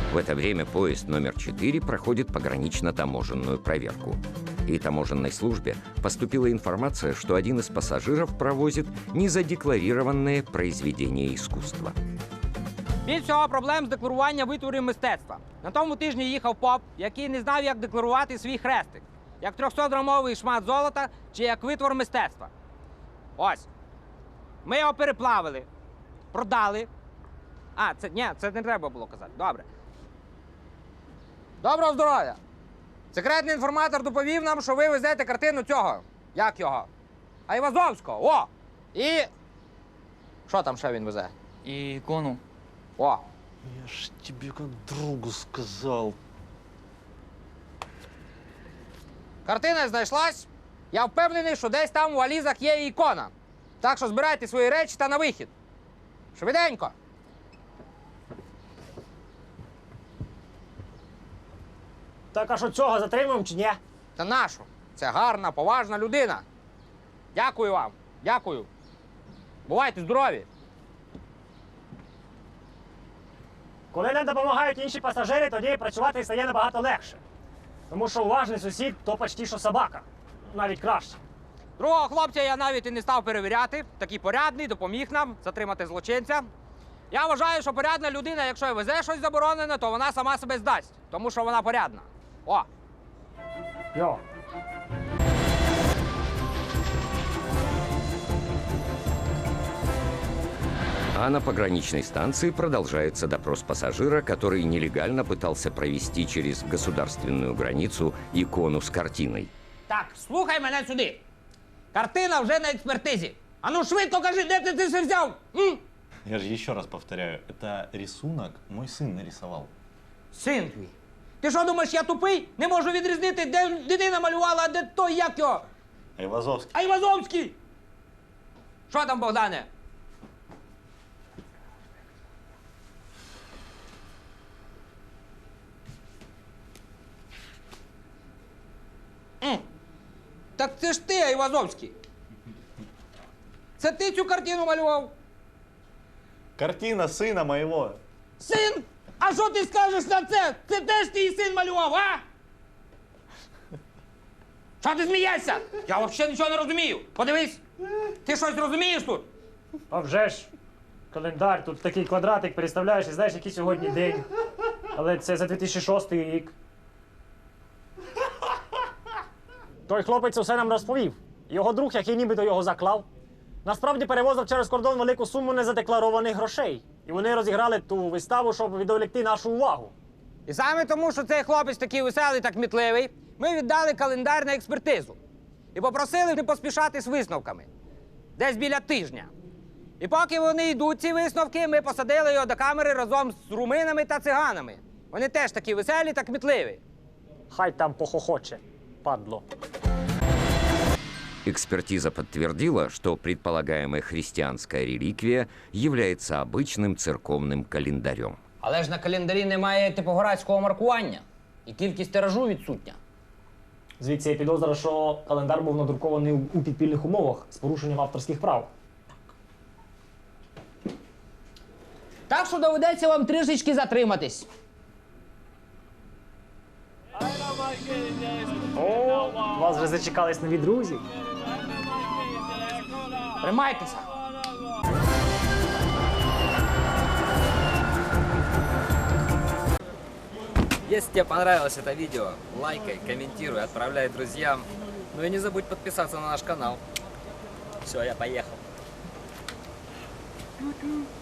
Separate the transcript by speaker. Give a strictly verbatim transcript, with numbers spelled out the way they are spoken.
Speaker 1: В это время поезд номер четыре проходит погранично-таможенную проверку. И таможенной службе поступила информация, что один из пассажиров провозит незадекларированное произведение искусства.
Speaker 2: Більш всього проблем з декларуванням витворів мистецтва. На тому тижні їхав поп, який не знав, як декларувати свій хрестик. Як трьохсотграмовий шмат золота чи як витвор мистецтва. Ось. Ми його переплавили, продали. А, це, ні, це не треба було казати. Добре. Доброго здоров'я! Секретний інформатор доповів нам, що ви везете картину цього. Як його? Айвазовського. О! І... Що там ще він везе?
Speaker 3: И икону.
Speaker 2: О!
Speaker 4: Я ж тебе как другу сказал.
Speaker 2: Картина знайшлась. Я впевнений, що десь там у валізах є і ікона. Так що збирайте свої речі та на вихід. Швиденько.
Speaker 5: Так, а що цього затримуємо чи ні?
Speaker 2: Та нашу. Це гарна, поважна людина. Дякую вам. Дякую. Бувайте здорові.
Speaker 5: Коли нам допомагають інші пасажири, тоді працювати стає набагато легше. Тому що уважний сусід – то почти що собака. Навіть краще.
Speaker 2: Другого хлопця я навіть і не став перевіряти. Такий порядний, допоміг нам затримати злочинця. Я вважаю, що порядна людина, якщо й везе щось заборонене, то вона сама себе здасть. Тому що вона порядна. О!
Speaker 5: Йо.
Speaker 1: А на пограничной станции продолжается допрос пассажира, который нелегально пытался провести через государственную границу икону с картиной.
Speaker 2: Так, слухай мене сюди. Картина вже на експертизі. А ну швидко кажи, де ти це взяв? М?
Speaker 4: Я же еще раз повторяю, это рисунок мой сын нарисовал.
Speaker 2: Син твій. Ти що думаєш, я тупий? Не можу відрізнити, де дитина малювала, а де той, як його?
Speaker 4: Айвазовский.
Speaker 2: Айвазовський! Що там, Богдане? М. Так це ж ти, Айвазовський. Це ти цю картину малював?
Speaker 4: Картина сына моего.
Speaker 2: Син? А що ти скажеш на це? Це теж твій син малював, а? Що ти смієшся? Я взагалі нічого не розумію. Подивись, ти щось розумієш тут?
Speaker 5: А вже ж. Календар, тут такий квадратик, переставляєш і знаєш, який сьогодні день. Але це за дві тисячі шостий рік. Той хлопець усе нам розповів. Його друг, який нібито його заклав, насправді перевозив через кордон велику суму незадекларованих грошей. І вони розіграли ту виставу, щоб відволікти нашу увагу.
Speaker 2: І саме тому, що цей хлопець такий веселий та кмітливий, ми віддали календар на експертизу. І попросили не поспішати з висновками. Десь біля тижня. І поки вони йдуть, ці висновки, ми посадили його до камери разом з руминами та циганами. Вони теж такі веселі та кмітливі.
Speaker 5: Хай там похохоче, падло.
Speaker 1: Экспертиза подтвердила, что предполагаемая христианская реликвия является обычным церковным календарем.
Speaker 2: Але ж на календарі немає типографського маркування. І кількість тиражу відсутня.
Speaker 5: Звідси є підозра, що календар був надрукований у підпільних умовах з порушенням авторських прав.
Speaker 2: Так що доведеться вам трішечки затриматись.
Speaker 5: О, вас вже зачекались нові друзі.
Speaker 2: Тримайтеся.
Speaker 3: Если тебе понравилось это видео, лайкай, комментируй, отправляй друзьям. Ну и не забудь подписаться на наш канал. Все, я поехал.
Speaker 6: Чу-чу.